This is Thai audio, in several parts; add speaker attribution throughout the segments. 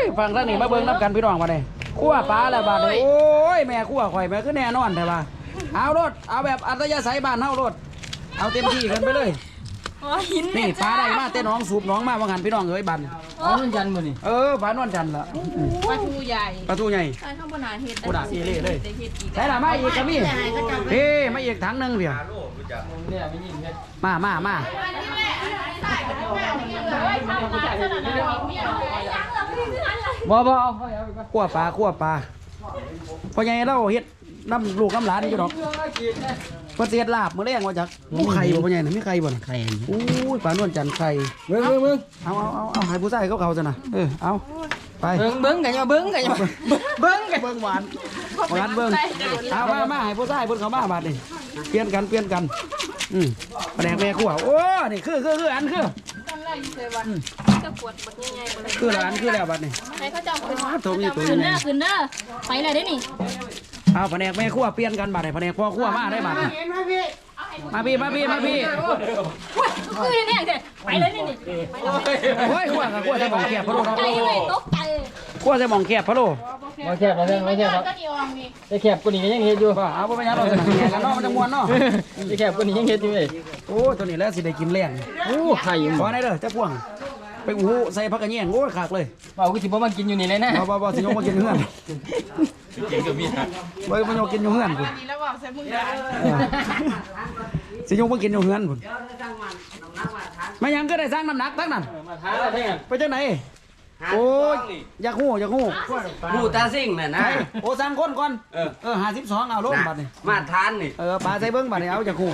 Speaker 1: ฟังท่านนี่มาเบิ่งน้ำกันพี่น้องมาเลยคั่วปลาแล้วบาดเลยโอ้ยแม่คั่วข่อยแม่คือแน่นอนแต่ว่าเอารถเอาแบบอัตยาศัยบ้านเฮารถเอาเต็มที่กันไปเลยนี่ปลาได้มาเต้น้องสูบน้องมาว่างันพี่น้องเอ้ยบัน
Speaker 2: ปลานวลจันทร์มื้อนี่
Speaker 1: ปลานวลจันทร์ละ
Speaker 3: ปลาทูใหญ่
Speaker 1: ปลาทูใหญ่
Speaker 3: ใช่ข้างบนหาเห็ด
Speaker 1: กูด่าซีเล่เลยใช่ละมาอีกกระมี่เฮ้มาอีกถังนึงเดียวมาบ่คั่วปลาพอใหญ่เราเฮ็ดน้ำลูกน้ำหลานอยู่ดอกพอเสียดลาบมื้อแรงว่าจักไข่บ่พอใหญ่น่ะมีไข่บ่น่ะไข่อู้ยปลานวลจันทร์ไข่เบิ่งเอาให้ผู้ชายเขาซะนะเอาไป
Speaker 2: เบิ่งกันอย่าเบิ่งกันหวาน
Speaker 1: เบิ่งเอามาให้ผู้ชายเพิ่นเข้ามาบาดนี่เปลี่ยนกันแผนกแม่ครัวโอ้นี่คืออันคือ
Speaker 3: จะปวดบัดใหญ่ๆบ่เลย
Speaker 1: คือละอันคือแล้วบัดนี่
Speaker 3: ให้เขาเจ้าขึ้น
Speaker 1: ตัวนี้
Speaker 3: ขึ้นเด้อไปเลยได้นี่
Speaker 1: เอาแผนกแม่ครัวเปลี่ยนกันบาดนี่แผนกพ่อครัวมาได้บาดนี่มาพี่
Speaker 3: คือเนี่ยเด้ไปเลยนี่
Speaker 1: โอ้ยครัวใส่หม่องแคบพะโล้
Speaker 3: ใจเลยตกใจ
Speaker 1: ครัวใส่หม่องแคบพะโล้
Speaker 2: บ่แคบบ่แคบครับได้แคบกว่านี้ยังเฮ็ดอยู่
Speaker 1: เอาบ่เป็นหยังเราสิแหงกันเนาะมันจะม่วนเนาะ
Speaker 2: ได้แคบกว่านี้ยังเฮ็ดอยู่เว้ย
Speaker 1: โอ้ตัวนี้แล้วสิได้กินแรง
Speaker 2: โอ้ไข่
Speaker 1: พอได้เด้อจักพวงไปอู้ใส่ผักกระเนียงโอ้ยคักเลย
Speaker 2: เว้าคือสิบ่มากินอยู่นี่เลยนะ
Speaker 1: บ่สิยกมากินเฮือน
Speaker 2: กินก็มีนะ
Speaker 1: บ่มายกกินอยู่เฮือนพุ่น
Speaker 3: แล้วบอกใส่มือได้
Speaker 1: สิยกมากินอยู่เฮือนพุ่นมายังก็ได้สร้างน้ำหนักทั้งนั้น
Speaker 2: มาท้าแล้วแท้
Speaker 1: ไปจังไหนโอ้ยอยากฮู้
Speaker 2: ผู้ตาซิ่งน่ะนะ
Speaker 1: โอ้สั่งคนก่อน52เอาลงบัดนี่
Speaker 2: มาทานนี่
Speaker 1: ปลาใส่เบิ่งบัดนี่เอาอยากฮู้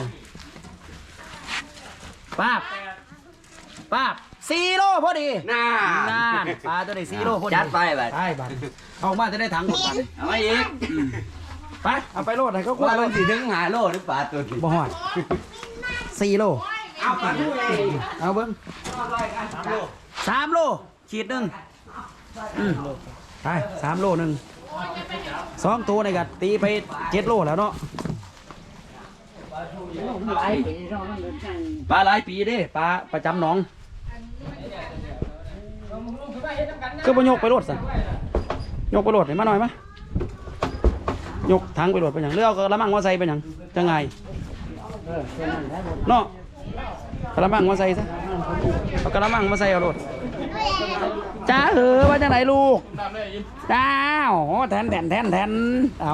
Speaker 1: ป๊าบ4โลพอดี
Speaker 2: น่า
Speaker 1: ปลาตัวนี้4โลพอดี
Speaker 2: จัดไปบัด
Speaker 1: บัดเอามาจะได้ถังหมดบัด
Speaker 2: เอามาอีก
Speaker 1: ไปเอาไปโลดให้เขากลัว
Speaker 2: ว่ามันสิถึง5โลหรือปลาตัวนี้
Speaker 1: บ่ฮอด4โล
Speaker 2: เอาปลาทูใหญ่
Speaker 1: เอาเบิ่ง3โลขีดนึงไป3โลนึง2ตัวนี่ก็ตีไป7โลแล้วเนาะปลาหลายปีเด้ปลาประจำหนองคือบ่ยกไปรถซะยกไปรถให้มาหน่อยมายกถังไปรถไปหยังหรือเอากระมังมาใส่ไปหยังจังไงเนาะกระมังมาใส่ซะเอากระมังมาใส่เอารถจ้าว่าจังไหนลูกจ้าแทนเอา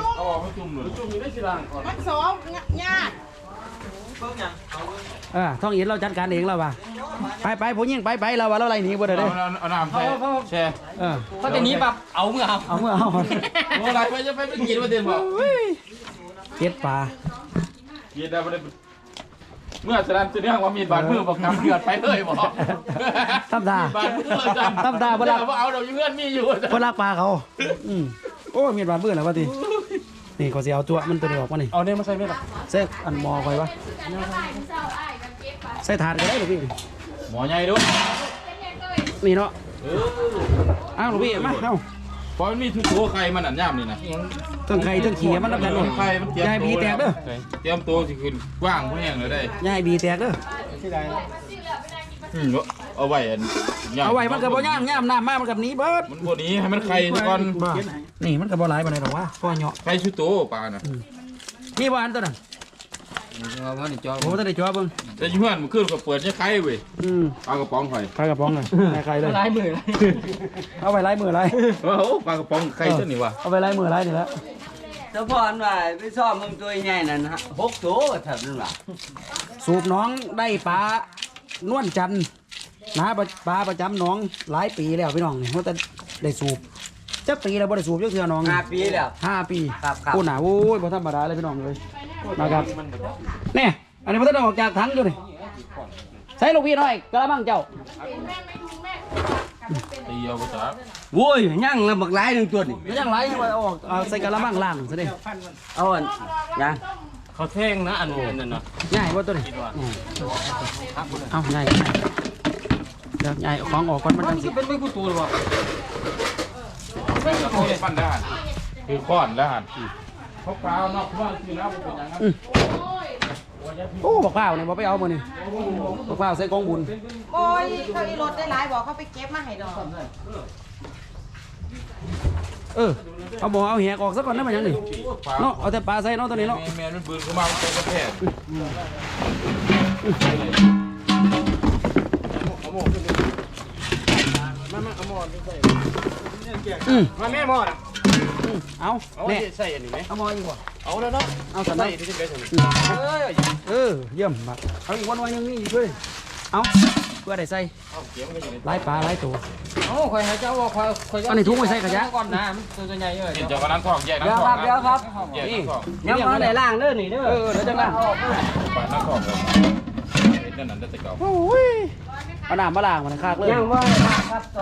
Speaker 3: มันสองยาก
Speaker 1: ท่องอินเราจัดการเองแล้วว่ะไปผู้หญิงไปเราว่าเราอะไรหนีบ่ได้เด้
Speaker 2: เอาน้ำใส่แช่เขาจะหนีปั๊บเอาเมื่อเอาอะไรไปกินมาเต็มบ่
Speaker 1: เก็ดปลา
Speaker 2: กินได้บ่ได้เมื่อแสดงจะเรื่องว่ามีบาดมือบอกน้ำเดือดไปเลยบ่
Speaker 1: ทำตา
Speaker 2: เวลาเอาเราอยู่เงื่อนมีอยู่
Speaker 1: คนรักปลาเขาโอ้มีบาดมือแล้ววะทีนี่ก็สิเอาตัวมันตัวนี้ออกมานี่
Speaker 2: เอาเนี่ยมาใส่ไหมล่ะ
Speaker 1: ใส่อันหม้อไว้วะใส่ถาดก็ได้หรือพี่
Speaker 2: หม้อใหญ่ด้วย
Speaker 1: นี่เนาะอ้าวหรือพี่มาเอา
Speaker 2: เพราะมันมีทุกตัวไข่มันอันย่ำนี่นะ
Speaker 1: ทั้งไข่ทั้งขี้มันรับกันหมด
Speaker 2: ไข่มัน
Speaker 1: ยายบีแตกเด้อ
Speaker 2: เตรียมตัวสิขึ้นกว้างพวกนี้เลยได้
Speaker 1: ยายบีแตกเด้อ
Speaker 2: เอาไว้
Speaker 1: มันกับบ่ย่างน้ำมามันกับนี้เบิด
Speaker 2: มันพวกนี้ให้มันไข่ก่อน
Speaker 1: นี่มันกับบ่หลายปานใดหรอกวะพ่อเหาะ
Speaker 2: ไข่ชุดโตปลาน่ะ
Speaker 1: นี่บ่อันตัวนั้นโอ้ตัวนี้จ่อเบิ่ง
Speaker 2: แต่อยู่เฮือนมันขึ้นก็เปิดเนี่ยไข่เว้ยปลากระป๋องไข่
Speaker 1: ปลากระป๋องเลยไข่เลย
Speaker 2: ลายมือ
Speaker 1: เอาไปลายมือไร
Speaker 2: โอ้ปลากระป๋องไข่ตัวนี้วะ
Speaker 1: เอาไปลายมือไรนี่แล้ว
Speaker 4: เจ้าพ่อว่าไปซ่อมมึงตัวใหญ่นั่นฮะ6ตัวถ้าเป็นว่า
Speaker 1: สูบน้องได้ปลานวลจันทร์นะปลาประจำน้องหลายปีแล้วพี่น้องเนี่ยเขาจะได้สูบจักปีแล้วบ่ได้สูบจักเทื่อน้อง
Speaker 4: 5 ปีแล้ว
Speaker 1: 5 ปีคุณน่ะโอ้ยบ่ธรรมดาเลยพี่น้องเลยนะครับเนี่ยอันนี้มันต้องออกจากถังอยู่นี่ใส่ลูกพี่หน่อยกระมังเจ้า
Speaker 2: ตีเอาไปจ้า
Speaker 4: โว้ยยั่งแล้วบักหลายนึงตัวนี่
Speaker 1: ยั่งหลายเอาออกใส่กระมังล่างซะดิ
Speaker 4: เอาอันยัง
Speaker 2: เขาแท่งนะอันนั้นนะ
Speaker 1: ง่ายบ่ตัวนี้เอาง่ายเดี๋ยวง่ายของออกก่อนมันจังสิ
Speaker 2: เป็นไม่ผู้ตัวหรอเขาเล่นปั้นได้คือค้อนแล้วหันเขาเปล่านอกบ้านคือน้ำเป็นอย่างนั้น
Speaker 1: โอ้บักเปล่าเนี่ยบ่ไปเอามานี่บักเปล่าใส่กองบุญ
Speaker 3: โอ้ยเขาอีรถได้หลายบอกเขาไปเก็บมาให้ดอก
Speaker 1: เอาบ่เอาแหกออกซะก่อนนะมันยังนี่เนาะเอาแต่ปลาใส่เนาะตัวนี้เนาะ
Speaker 2: แม่มันปืนเข้ามาเป็นกระแทก
Speaker 5: มาแม่หมอด
Speaker 1: เอาแน่
Speaker 5: ใส่อันนี้ไหม
Speaker 1: เอาหมออีกบ่
Speaker 5: เอาแล้วเนาะ
Speaker 1: เอาสัน
Speaker 5: ใส่
Speaker 1: เนาะ
Speaker 5: ที่จะเป็น
Speaker 1: เยี่ยมมากเอาอีกวันยังนี่ด้วยเอาเพื่อได้ใส่หลายปลาหลายตัว
Speaker 2: โอ้คอยหายใจว่าคอย
Speaker 1: อันนี้ทุ่งไว้ใส่กระยะ
Speaker 2: ก่อนนะตัวใหญ่เดี๋ยวก็นั่งทองแยกนั่ง
Speaker 4: เดี๋ยว
Speaker 2: ทอ
Speaker 4: ครั
Speaker 2: ง
Speaker 4: บเดี๋ยวครับ
Speaker 2: แยกนั่งทอง
Speaker 4: ยังมาได้ล่างเด้อนี่เด้อ
Speaker 1: เดี๋ยวจังละ
Speaker 2: ไปนั่งทองเลยนั่นนั่นจะเก่า
Speaker 1: โอ้ยเอาน้ำมาล้างมันคากเลย
Speaker 4: ยังว่าครับตอน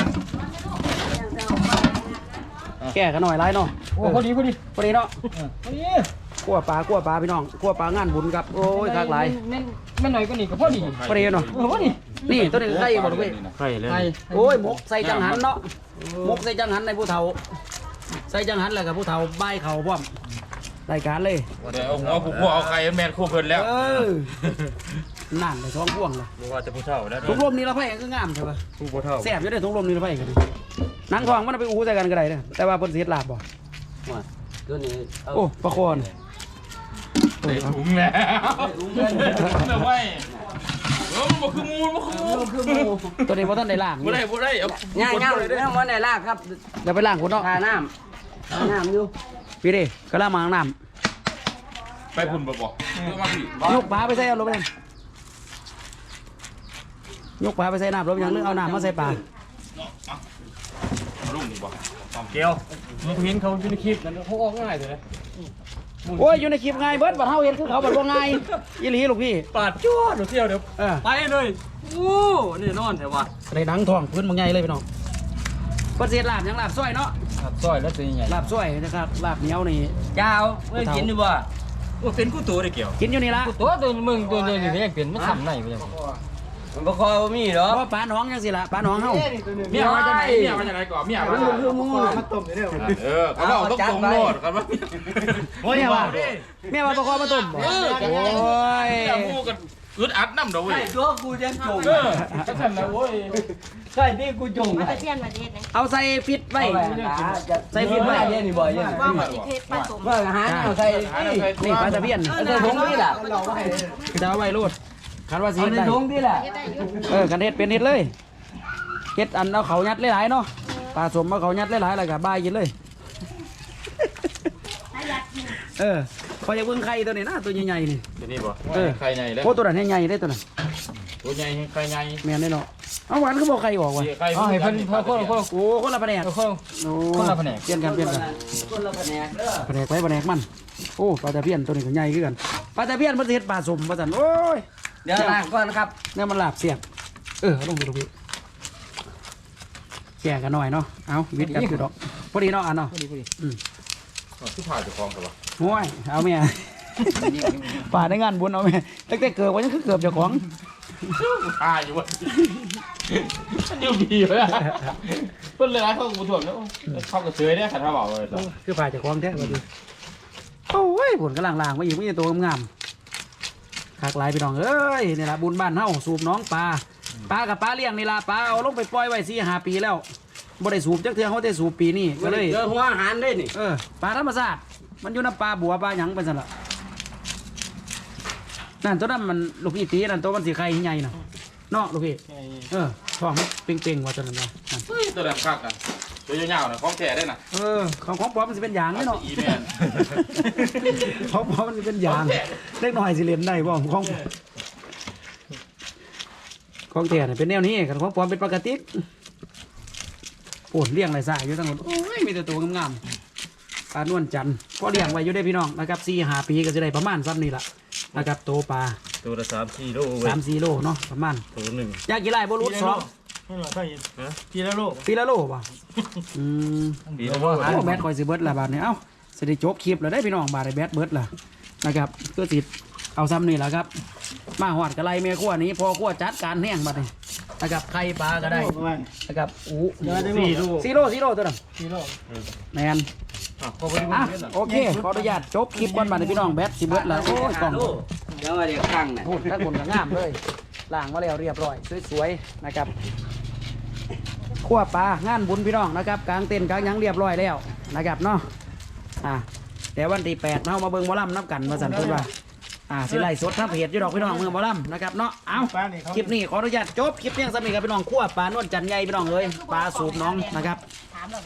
Speaker 1: แก่กันหน่อยไรเนาะ
Speaker 2: โอ้พอดี
Speaker 1: พอดีเนาะ
Speaker 2: พอดี
Speaker 1: คั่วปลาพี่น้องคั่วปลางานบุญครับโอ้ยคากหลาย
Speaker 2: แม่หน่อยก็นี่ก็พอดี
Speaker 1: พอดีเนาะ
Speaker 2: พอดี
Speaker 1: นี่ตัวนี้ไข่บ่ลูกเว้ย
Speaker 5: ใส่เลย
Speaker 1: โอ้ยหมกใส่จังหันเนาะหมกใส่จังหันในผู้เฒ่าใส่จังหันแล้วกับผู้เฒ่าใบายเข่าพร้อมรายการเลย
Speaker 2: เดี๋ยวเอาหัวผูกพวกเอาไข่แมนคู่เพิ่นแล้ว
Speaker 1: นั่นไปท้องพ่วงเลย
Speaker 5: บ่ว่าจะผู้เฒ่าแล้ว
Speaker 1: ทุกลมนี่เราไผ่ก็งามใช่ปะ
Speaker 5: ผู้บ่เฒ่า
Speaker 1: แซ่บอยู่ได้ทุกลมนี่เราไผ่กันหนังทองมันเอาไปอู้ใส่กันก็ได้เด้อแต่ว่าเพิ่นสิเฮ็ดลาบบ่
Speaker 4: ตัวนี้
Speaker 1: โอ้ปลาคอน
Speaker 2: ได้ถุงแล้วแต่ว่ามันบ่คือมูมันคือมู
Speaker 1: ตัวนี้บ่ทันได้ล้าง
Speaker 2: บ่ได้เอา
Speaker 4: ย่างยังมาได้ล่างครับ
Speaker 1: เดี๋ยวไปล้างพุ่นเนาะ
Speaker 4: ทาน้ำอยู่
Speaker 1: พี่เด้ก็ล้างมาล้างน้
Speaker 2: ไปพุ่นบ่บอกมาพี่
Speaker 1: ำยกปลาไปใส่เอาลงไปนั่นยกปลาไปใส่น้ำลงยังนึกเอาน้ำมาใส่ปลา
Speaker 2: ลุงนี่บ่
Speaker 5: เกี่ยวมึงเห็นเขาอยู่ในคลิปนั้นเขาออกง่ายเลย
Speaker 1: โอ้ยอยู่ในคลิปง่ายเบิดบัดเฮาเห็นคือเขาบัดบ่ง่ายอีหลีลูกพี่
Speaker 5: ปาดจ้วดเที่ยวเดี๋ยว
Speaker 4: ไปเลยโอ้นี่นอนแต่ว่า
Speaker 1: ได้หนังทองพื้นบ่ใหญ่เลยพี่น้องเพิ่นสิเฮ็ดลาบหยังลาบซอยเนาะ
Speaker 2: ซอยแล้วตัวใหญ่
Speaker 1: ลาบซอยนะครับลาบเหนียวนี่
Speaker 4: เจ้าเมื่อกินดีบ่
Speaker 5: ว่าเป็นกูตัวได้เกี่ยว
Speaker 1: กินอยู่นี่ละ
Speaker 2: ตัวมึงตัวนี้ยังเป็นมันทำไหนไปยัง
Speaker 4: มันบ่คอยบ่มีหรอ
Speaker 1: เพราะปลาหนองจังสิล่ะปลาหนองเฮา
Speaker 2: เมียมาจากไหนเมียมาจากไหนก่อนเมียมา
Speaker 4: คือมู
Speaker 5: มาต้มได้เด้อ
Speaker 2: เขาบอกต้องตรงโลดกันว่า
Speaker 1: โอ้ยว่าแม่ว่าปลาคอมาต้มบ่โอ้ย
Speaker 2: เมียมูกันอึดอัดน้ำเด้อเว้ย
Speaker 4: ใช่ตัวกูยังจง
Speaker 2: ก็ฉันนะเว้ย
Speaker 4: ใช่ที่กูจง
Speaker 3: มาเปลี่ยนมาเทศนะ
Speaker 1: เอาใส่ฟิตไว้ใส่ฟิตไว้
Speaker 4: เย็นนี่บ่เย็น
Speaker 3: ว่ามาเทศผสม
Speaker 4: เมื่ออาหารเอาใส่นี่
Speaker 1: นี่ปลาตะเพียน
Speaker 4: ใส่ถุงนี่ล่ะ
Speaker 1: จะเอาไว้รูดคันว่าสิ
Speaker 4: เอา
Speaker 1: เฮ็ด
Speaker 4: ใน
Speaker 1: ได้
Speaker 4: ถุงนี่ล่ะ
Speaker 3: เฮ็ดได้อยู่
Speaker 1: กันเฮ็ดเป็นเฮ็ดเลยเฮ็ดอันเอาเขายัดหลายๆเนาะปลาสมเอาเขายัดหลายๆแล้วก็บายกินเลยพอจะเบิ่งไข่ตัวนี้นะตัวใหญ่ๆนี่
Speaker 2: ตัวนี้บ่ใครใหญ่แล้ว
Speaker 1: โอ้ตัวนั้นใหญ่ๆได้ตัวนั้น
Speaker 2: ตัวใหญ่ใครใหญ่
Speaker 1: แม่นได้เนาะเอาหวานคือบ่ไข่ออกว่ะ
Speaker 2: ใครให้เพิ่นคน
Speaker 1: โอ้คนละแผนกโอ้
Speaker 2: คนละแผนก
Speaker 1: เปลี่ยนกันเปลี่ยนกัน
Speaker 4: คนละแผนกเด้อ
Speaker 1: แผนกไปแผนกมันโอ้ปลาตะเพียนตัวนี้ก็ใหญ่คือกันปลาตะเพียนมันสิเฮ็ดปลาสมว่าซั่นโอ้ย
Speaker 4: เดี๋ยวล้างก่อนครับ
Speaker 1: เนี่ยมันลาบเสียบเอาลงไปดูพี่แก่กันหน่อยเนาะเอาวิทย์กันคือดอกพอดีเนาะอันเนาะ
Speaker 2: ที่ผ่าจะคลองกันวะ
Speaker 1: โอ้ยเอาเมียป่าในงานบุญเอาเมียตั้งแต่เกิดวันยังคือเกือบเจ้าของ
Speaker 2: ผ่าอยู่วะมันอยู่ดีเลยเพิ่นเลยนะเขาบุญถ่วมแล้วเขาก็เฉยได้ขันท่าเบาเลย
Speaker 1: คือป่าเจ้าของแท้มาดูโอ้ยผลกำลังล่างมาอีกไม่ใช่ตัวงามขากหลายพี่น้องเอ้ยนี่ละบุญบ้านเฮาสูบน้องปลากับปลาเลี้ยงนี่ละปลาเอาลงไปปล่อยไว้4-5 ปีแล้วบ่ได้สูบจักเทื่อเขาได้สูบปีนี้ก็เลย
Speaker 4: เจอหัวอาหารได้นี่
Speaker 1: ปลาธรรมชาติมันอยู่น้ำปลาบัวปลาหยังไปสั่นละนั่นตัวนั้นมันลูกพี่ตีนั่นตัวมันสีไข่ใหญ่น่ะเนาะลูกพี่ท้องมันเป่งๆว่าตัวนั้นว่านั่น
Speaker 2: ตัวแหลมคักอ่ะตัวยาวๆนะคล้องแก่ได้น่ะ
Speaker 1: ของปลอมมันสิเป็นยางเนาะ
Speaker 2: อีแมน
Speaker 1: ของปลอมมันสิเป็นยางเล็กน้อยสิเล่นได้บ่ของแท้เนี่ยเป็นแนวนี้กันของปลอมเป็นปกติโอ้เลี้ยงไรสายอยู่ทั้งหมดโอ้ยมีแต่ตัวงามๆปลานวลจันทร์พอเลี้ยงไว้อยู่ได้พี่น้องนะครับ4-5 ปีก็จะได้ประมาณซ้ำนี่ละนะครับโตปลา
Speaker 5: ตัวละ3-4โล
Speaker 1: 3-4 โลเนาะประมาณ
Speaker 5: ตัวนึง
Speaker 1: อยากกี่ไร่บ่รู้2
Speaker 5: นั่นล่ะใช่ทีละโล
Speaker 1: ปีละโลป่ะ
Speaker 5: ปีละโล
Speaker 1: โอ้แบตคอยสิเบิดละบาทเนี่ยเอ้าสิได้จบคลิปแล้วได้พี่น้องบาทได้แบตเบิดละนะครับก็สิเอาซ้ำนี่แหละครับ มาหอดกระไรเมียขั้วนี้พอขั้วจัดการแห้งบัดนี้นะครับไข่ปลาก็ได้นะครับอู้4 โลตัวนั้นแมนโอเคขออนุญาตจบคลิปก่อนบัดนี้พี่น้องแบตสิเบิดละโอ้ยกล่อง
Speaker 4: แล้วมาเดี๋ยวข้างน่ะ
Speaker 1: พูดถ้าคนก็งามเลยล้างมาแล้วเรียบร้อยสวยๆนะครับขั้วปลางานบุญพี่น้องนะครับกลางเต็นท์กลางหยังเรียบร้อยแล้วนะครับเนาะแต่วันที่8เนาะมาเบิ่งหมอลำนับกันมาสั่นเพิ่นว่าสิไล่สดทับเพจอยู่ดอกพี่น้องเมืองหมอลำนะครับเนาะเอาคลิปนี้ขออนุญาตจบคลิปเพียงสำหรับพี่น้องขั้วปลานวลจันทร์ใหญ่พี่น้องเลยปลาสูบน้องนะครับ